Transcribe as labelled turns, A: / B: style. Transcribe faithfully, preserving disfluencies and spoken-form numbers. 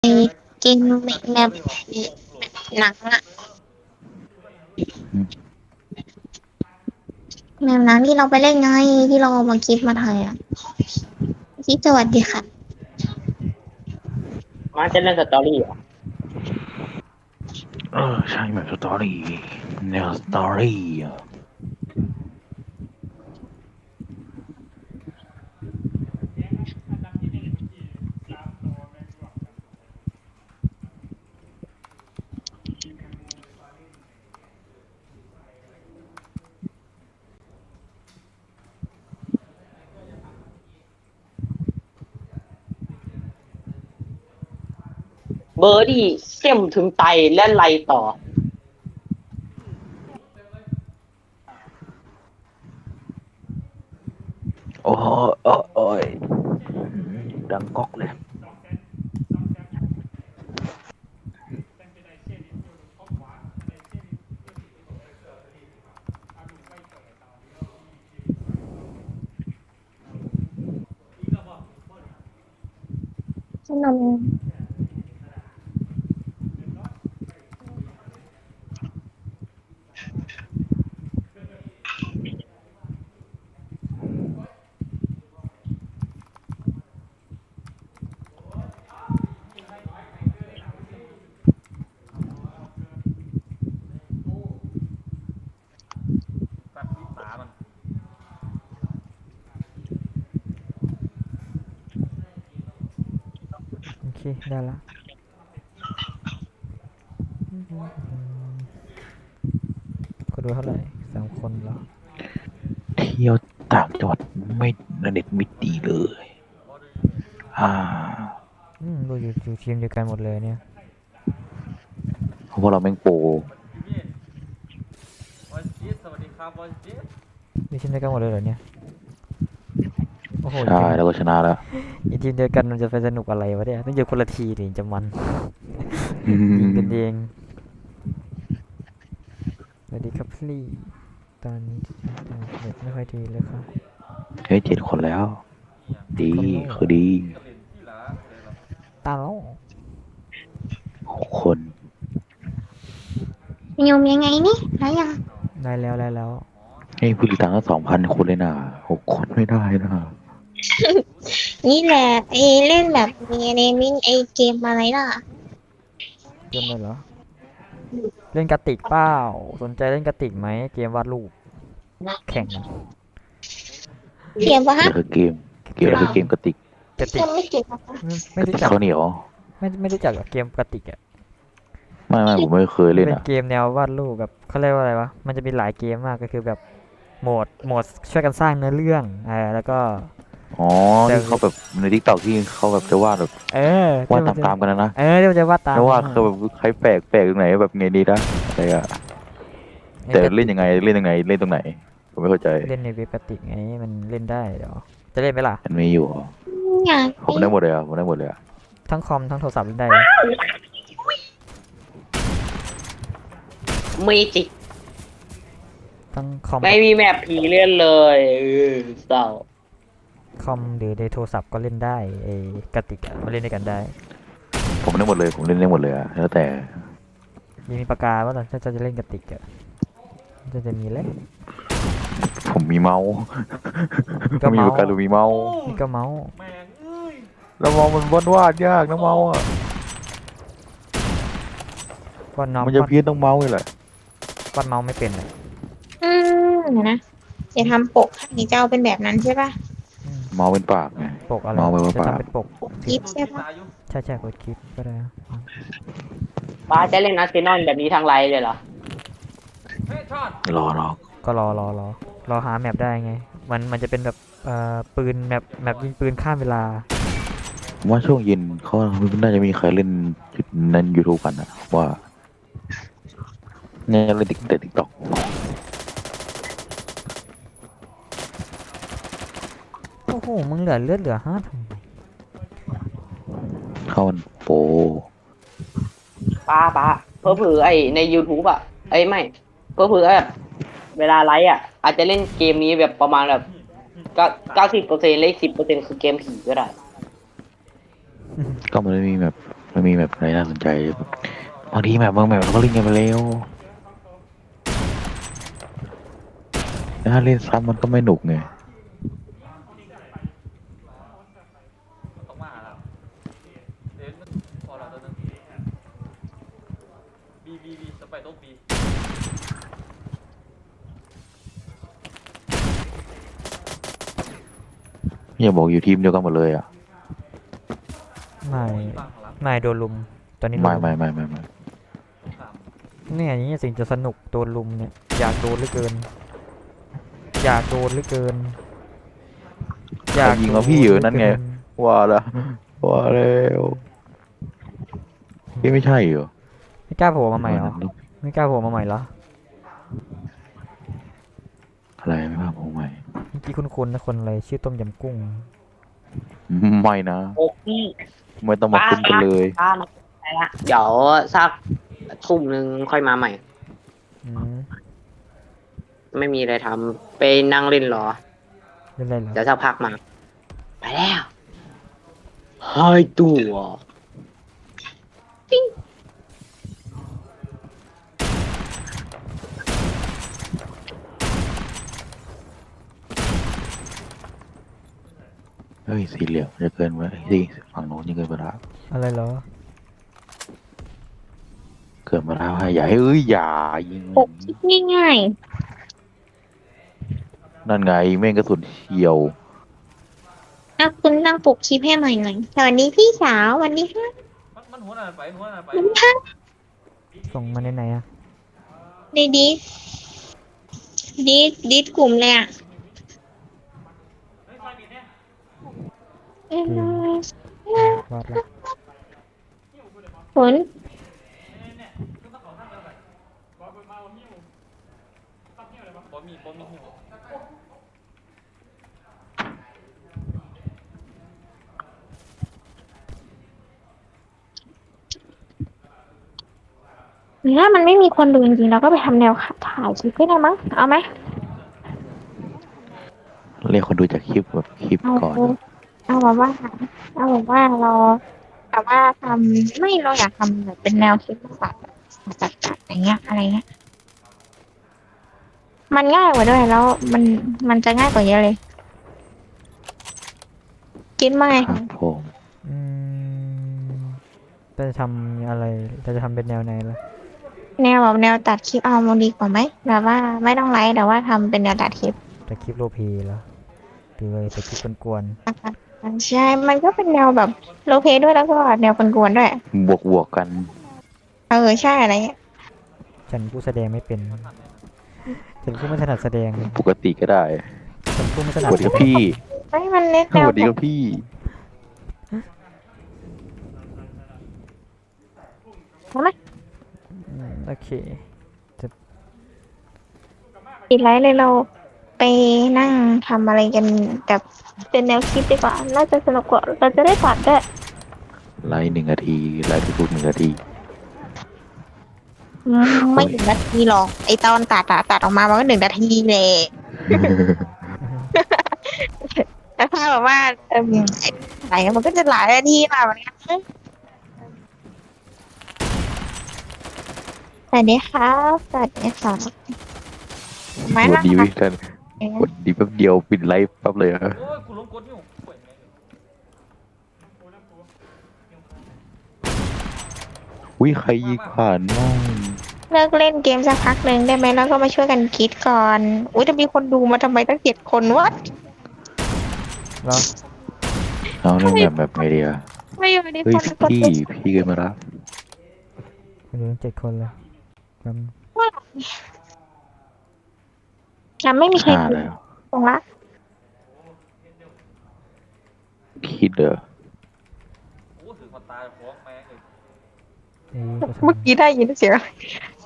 A: ไอเกมแบบหนังอะแบบนั้นที่เราไปเล่นไงที่เราเอามาคลิปมาถ่ายอะคิดสวัสดีค่ะ
B: มาจะเล่นสตอรี่เหรอ
C: เออใช่แบบสตอรี่แนวสตอรี่อะ
B: เบอร์ดี้เข้มถึงไตและไลต่อ
C: โอ้โอ้โอ้ยดังก๊อกเลย
A: ขนม
D: โอเคได้ละคนดูเท่าไหร่สามคนเหรอ
C: เที่ยวต่างจังหวัดไม่เน็ตไม่ดีเลยอ่า
D: อืมดูอยู่อยู่ทีมเดียวกันหมดเลยเนี่ย
C: เพราะว่าเราแม่งโปร
D: อยู่ทีมเดียวกันหมดเลยเหรอเนี่ยโอ้โหอยู่
C: ใช่
D: ทีม
C: แล้วก็ชนะแล้ว
D: อยู่ทีมเดียวกันมันจะไปสนุกอะไรวะเนี่ยต้องอยู่คนละทีถึงจะมัน
C: อื
D: ยิงกันเอ
C: ม
D: งสวัสดีครับพี่ตอนนี้เน็ตไม่ค่อยดีเลยครับ
C: เฮ้ยเจ็ดคนแล้วดี
D: คนโล่
C: คือดี
D: ตาโล่
C: หกคน
A: ยมยังไงนี่ไรยัง
D: ได้แล้วได้แล้ว
C: ให้ผู้ติดตามก็สองพันคนเลยนะหกคนไม่ได้นะ
A: นี่แหละไอเล่นแบบมีเนมิ่งไอเกมอะไรล่ะ
D: เกมเลยเหรอเล่นกระติกเปล่าสนใจเล่นกระติกไหมเกมวาดรูปแข่งกัน
A: เกมปะฮะ
C: เกี่ยวกับเกมเกี่ยวกับเกมกระติก
D: กระติก
A: ยังไม่เก็บอะ
D: ไม่ไม่
C: กระติก
D: รู้จัก
C: ข้าวเหนียว
D: ไม่ไม่รู้จักกับเกมกระติกอ่ะ
C: ไม่ไม่ผมไม่เคย
D: มันเป็น
C: เล่นอ่ะ
D: เกมแนววาดรูปแบบเขาเรียกว่าอะไรวะมันจะมีหลายเกมมากก็คือแบบโหมดโหมดช่วยกันสร้างเนื้อเรื่องอ่าแล้วก็
C: อ๋อที่เขาแบบในทิกตอกที่เขาแบบจะวาดแบบ
D: เออ
C: วาด
D: ที่มันจะ
C: ตามๆกันนะนะ
D: เออที่มันจะวาดตาม
C: ไม่ว่า
D: กัน
C: คือแบบใครแปลกแปลกตรงไหนแบบไงดีนะอะไรอะแต่
D: ไอ้กระติก
C: เล่นยังไงเล่นยังไงเล่นตรงไหนผมไม่เข้าใจ
D: เล่นในเว็บกระติกไงมันเล่นได้เดี๋ยวจะเล่นไหมล่ะ
C: มันมีอยู่เหรอ
A: อยาก
C: ผมได้หมดเลยอ่ะผมได้หมดเลยอ่ะ
D: ทั้งคอมทั้งโทรศัพท์เล่นได้
B: มีจิก
D: ทั้งคอม
B: ไม่
D: กับ
B: มีแมปผีเล่นเลยเออเศร้า
D: คอมหรือในโทรศัพท์ก็เล่นได้ไอ้กระติกอะมาเล่นด้วยกันได้
C: ผมได้หมดเลยผมเล่นได้หมดเลยอ่ะแล้วแต่
D: ยังมีปากกาว่าถ้าจะเล่นกระติกอะจะจะมีเล่น
C: ผมมีเมาส์
D: ก็
C: มี
D: เมา
C: ปาก
D: ส์
C: กาหรือมีเมาส์
D: นี่ก็เมาส์
C: แล้วเมาส์มันวาดวาดยากนะเมาส์อ่ะ
D: วาดน้อง
C: มันจะ
D: วาด
C: เพี้ยนต้องเมาส์นี่แหละ
D: วาดเมาส์ไม่เป็นเลย
A: อืมเดี๋ยวนะจะทำปกให้เจ้าเป็นแบบนั้นใช่ปะ
D: อืม
C: เมาส์เป็นปากไง
D: ปกอะไร
C: เมาส์เป็นว่า
D: จะ
C: ปาก
D: ทำเป็นปก
A: คลิปใช่ปะ
D: ใช่ใช่กดคลิปก็ได้อืม
B: ป้าจะเล่นอาร์เซนอลแบบนี้ทางไลน์เลยเหรอ
C: รอรอ
D: ก็รอรอรอรอหาแมปได้ไงมันมันจะเป็นแบบเอ่อปืนแมปแมปยิงปืนข้ามเวลา
C: ผมว่าช่วงเย็นเขาน่าจะมีใครเล่นในยูทูบกันนะว่าเนี่ยเล่นติ๊กแต่ติ๊กต็อก
D: โอ้โหมึงเหลือเลือดเหลือห้าทำไม
C: เข้ามันโปร
B: ป้าป้าเพื่อเผื่อไอใน YouTube อ่ะไอยไม่เพื่อเผื่อแบบเวลาไลฟ์อ่ะอาจจะเล่นเกมนี้แบบประมาณแบบเก้าเก้าสิบเปอร์เซ็นต์เลขสิบเปอร์เซ็นต์คือเกมผีก็ได้
C: ก็มันไม่มีแบบไม่มีแบบอะไรน่าสนใจแบบบางทีแบบบางแบบเราก็เล่นกันไปแล้วถ้าเล่นซ้ำมันก็ไม่หนุกไงอย่าบอกอยู่ทีมเดียวกันหมดเลยอ่ะ
D: ไม่ไม่โดนลุมตอนนี้โด
C: ไม่
D: นลุ
C: ไม่
D: ม
C: ไม่ไม่ไม่
D: เนี่ยอย่างนี้สิ่งจะสนุกโดนลุมเนี่ยอยากโดนเหลือเกิน อยากโดนเหลือเกิน อยาก
C: ยิงเอาพี่อยู่นั่นไง
D: โดเหลือเกิ
C: ว่าแล้วว่าแล้วพี่ไม่ใช่เหรอ
D: ไม่กล้าโผล่มาใหม่เหรอไม่กล้าโผล่มาใหม่เหรอ
C: อะไรไม่ว่าผมใหม่
D: เมื่อกี้คุ้นๆนะคนอะไรชื่อต้มยำกุ้ง
C: ไม่นะ
B: โอ้พี่
C: ไม่ต้องมาคุ้นกันเลย
B: ป้ามาไปละเดี๋ยวสักทุ่มหนึ่งค่อยมาใหม่
D: อืม
B: ไม่มีอะไรทำไปนั่งเล่นรอ
D: เล่นอะไรเหรอ
B: เดี๋ยวสักพักมา ไปแล้วหายตัว
C: เฮ้ยสีเหลี่ยมจะเกินไปสิฝั่งโน้นยังเกินไปแล้ว
D: อะไรเหรอ
C: เกินมาแล้วอย่าให้เอ้ยอย่ายิง
A: ปกคลิปง่าย
C: นั่นไงแม่งกระสุนเฉียว
A: ๆอ่ะคุณนั่งปกคลิปให้หน่อยหน่อยสวัสดีพี่สาวสวัสดีค่ะ
E: มันมันหัวหน้าไปหัวหน้าไป
A: คุณค่ะ
D: ส่งมาในไหนอะ
A: ในดิสดิสดิสกลุ่มเลยอ่ะเอ้ยว
D: าดละ
A: ผล
E: บ่มีบ่มีหิว
A: หรือถ้ามันไม่มีคนดูจริงๆเราก็ไปทำแนวถ่ายคลิปก็ได้มั้งเอาไหม
C: เรียกคนดูจากคลิปแบบคลิป
A: เอา
C: ก่อน
A: เอาแบบว่าเอาแบบว่าเราแต่ว่าทำไม่เราอยากทำแบบเป็นแนวคลิปมากกว่าจัดจัดอย่างเงี้ยอะไรเงี้ยมันง่ายกว่าด้วยแล้วมันมันจะง่ายกว่าเยอะเลยคิดไหม
C: ครับผม
D: อืมจะทำอะไรจะทำเป็นแนวไหนล่ะ
A: แนวแบบแนวตัดคลิปเอามันดีกว่าไหมแบบว่าไม่ต้องไลฟ์แต่ว่าทำเป็นแนวตัดคลิป
D: จะคลิปโรลเพลย์เหรอหรืออะไรจะคลิปกวน
A: ใช่มันก็เป็นแนวแบบโลเพด้วยแล้วก็แนวกวนๆด้วย
C: บวกบวกกัน
A: เออใช่อะไรเงี้ย
D: ๆฉันผู้แสดงไม่เป็น ฉันผู้ไม่ถนัดแสดง
C: ปกติก็ได้
D: ฉันผู้ไม่ถ
C: ส
D: นัด
C: วัสดีครับพี่
A: ไม่มันเน้น
C: ส
A: แนว
C: วัสดีครับพี่
A: ใช่ไหม
D: อืมโอเค
A: ปิดไลฟ์เลยเราไปนั่งทำอะไรกันแบบเป็นแนวคลิปดีกว่า น่าจะสนุกกว่าเราจะได้ตัดด้วย
C: ไลฟ์หนึ่งนาทีไลฟ์ทุกๆหนึ่งนาที
A: อืมไม่ถึงนาทีหรอกไอตอนตัดอะตัดออกมามันก็หนึ่งนาทีเลยแต่ถ้าแบบว่าเออไออะไรมันก็จะหลายนาทีแบบนี้สวัสดีครับสวัสดีค่ะ
C: ส
A: ไม่
C: วัส
A: นะ
C: ดี
A: คะ
C: วิกันสวัสดีแป๊บเดียวปิดไลฟ์แป๊บเลยอะ
E: โอ้ยกูล้มกดอยู่ป่วยไง
C: อุ้ยใครยิงผ่านน้อง
A: เลิกเล่นเกมสักพักหนึ่งได้ไหมแล้วก็มาช่วยกันคิดก่อน อุ้ยจะมีคนดูมาทำไมตั้งเจ็ดคนวะ
D: แล้ว
C: เอาเล่นแบบแบบไงเดีย
A: ไม่อยู่ใน
C: เฮ้ย
A: คนกด
C: พี่พี่เกินมาละ
D: คุณดูทั้งเจ็ดคนเลยจ
A: จะไม่มีใคร
C: ห้า
A: ดู
C: แล้ว
A: ตรงละ
C: คิดเด้อ
E: โอ้ถือคนตายฟ้องแม่งเลย
D: ำเอ้ยก็ทำ
A: เมื่อกี้ได้ยินเสียง